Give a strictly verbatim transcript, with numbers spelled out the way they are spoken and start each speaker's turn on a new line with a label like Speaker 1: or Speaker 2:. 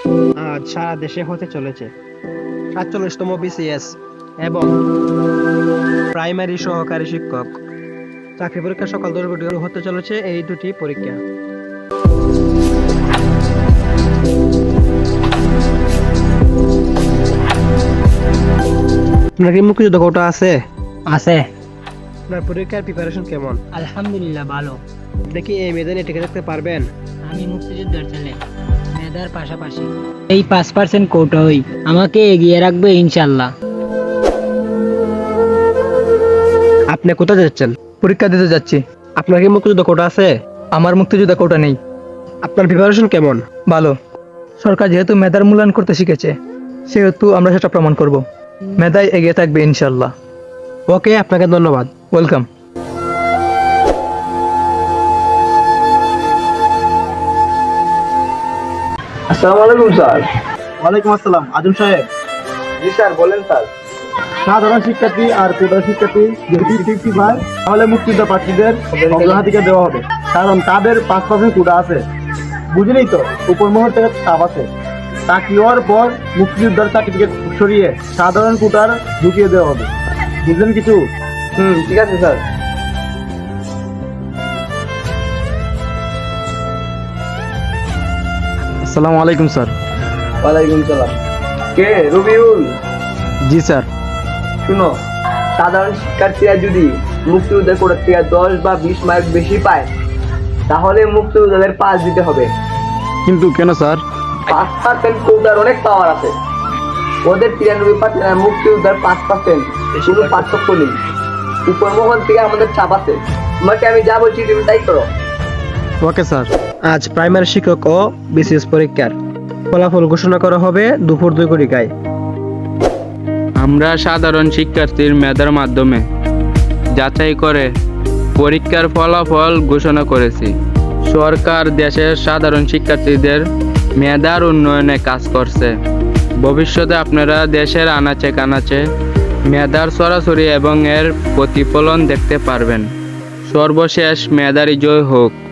Speaker 1: আজ সারা দেশে হতে চলেছে সাতচল্লিশতম বিসিএস এবং প্রাইমারি সহকারী শিক্ষক চাকরি পরীক্ষা সকাল দশ ঘটিকা হতে চলেছে এই দুটি পরীক্ষা। আপনার কি মুক্তিযুদ্ধ কোটা আছে?
Speaker 2: আছে।
Speaker 1: আপনার পরীক্ষার প্রিপারেশন কেমন?
Speaker 2: আলহামদুলিল্লাহ ভালো।
Speaker 1: আপনি কি এই মেদানে টিকে থাকতে পারবেন?
Speaker 2: আমি মুক্তিযুদ্ধের ছেলে, মেধার পাশাপাশি এই পাঁচ পার্সেন্ট কোটাই আমাকে এগিয়ে রাখবে ইনশাল্লাহ।
Speaker 1: আপনি কোথায় যাচ্ছেন?
Speaker 3: পরীক্ষা দিতে যাচ্ছি।
Speaker 1: আপনার কি মুক্তিযুদ্ধ কোটা আছে?
Speaker 3: আমার মুক্তিযোদ্ধা কোটা নেই।
Speaker 1: আপনার প্রিপারেশন কেমন?
Speaker 3: ভালো। সরকার যেহেতু মেধার মূল্যায়ন করতে শিখেছে, সেহেতু আমরা সেটা প্রমাণ করব। মেধায় এগিয়ে থাকবে ইনশাল্লাহ।
Speaker 1: ওকে, আপনাকে ধন্যবাদ।
Speaker 3: ওয়েলকাম।
Speaker 4: আসসালামু আলাইকুম স্যার।
Speaker 5: ওয়ালাইকুম আসসালাম আজম সাহেব।
Speaker 4: জি স্যার, বলেন স্যার।
Speaker 5: সাধারণ শিক্ষার্থী আর কোটা শিক্ষার্থী যদি ফিফটি হয় তাহলে মুক্তিযোদ্ধা প্রার্থীদের অগ্রাধিকার দেওয়া হবে, কারণ তাদের পাঁচ পার্সেন্ট কোটা আছে। বুঝলেই তো, উপর মহল থেকে চাপ আছে। চাকরি হওয়ার পর মুক্তিযোদ্ধার সার্টিফিকেট সরিয়ে সাধারণ কোটার ঢুকিয়ে দেওয়া হবে। বুঝলেন কিছু?
Speaker 4: হুম, ঠিক আছে স্যার।
Speaker 3: আসসালামু আলাইকুম স্যার।
Speaker 4: ওয়ালাইকুম সালাম। কে? রবিউল।
Speaker 3: জি স্যার।
Speaker 4: শুনো, সাধারণ শিক্ষার্থীরা যদি মুক্তিযোদ্ধার কোটা থেকে দশ বা বিশ মার্ক বেশি পায় তাহলে মুক্তিযোদ্ধাদের পাস দিতে হবে।
Speaker 3: কিন্তু কেন স্যার?
Speaker 4: পাঁচ পার্সেন্ট কোটার অনেক পাওয়ার আছে। ওদের তিরানব্বই পার্সেন্ট আর মুক্তিযোদ্ধার পাঁচ পার্সেন্ট কোনো পার্থক্য নেই। উপর মহল থেকে আমাদের চাপ আছে। তোমাকে আমি যা বলছি তুমি তাই করো।
Speaker 3: Okay sir.
Speaker 1: আজ প্রাইমারি শিক্ষক ও বিসিএস পরীক্ষার ফলাফল ঘোষণা করা হবে দুপুর দুই ঘটিকায়।
Speaker 6: আমরা সাধারণ শিক্ষার্থীর মেধার মাধ্যমে যাচাই করে পরীক্ষার ফলাফল ঘোষণা করেছি। সরকার দেশের সাধারণ শিক্ষার্থীদের মেধার উন্নয়নে কাজ করছে। ভবিষ্যতে আপনারা দেশের আনাচে কানাচে মেধার সরাসরি এবং এর প্রতিফলন দেখতে পারবেন। সর্বশেষ মেধারই জয় হোক।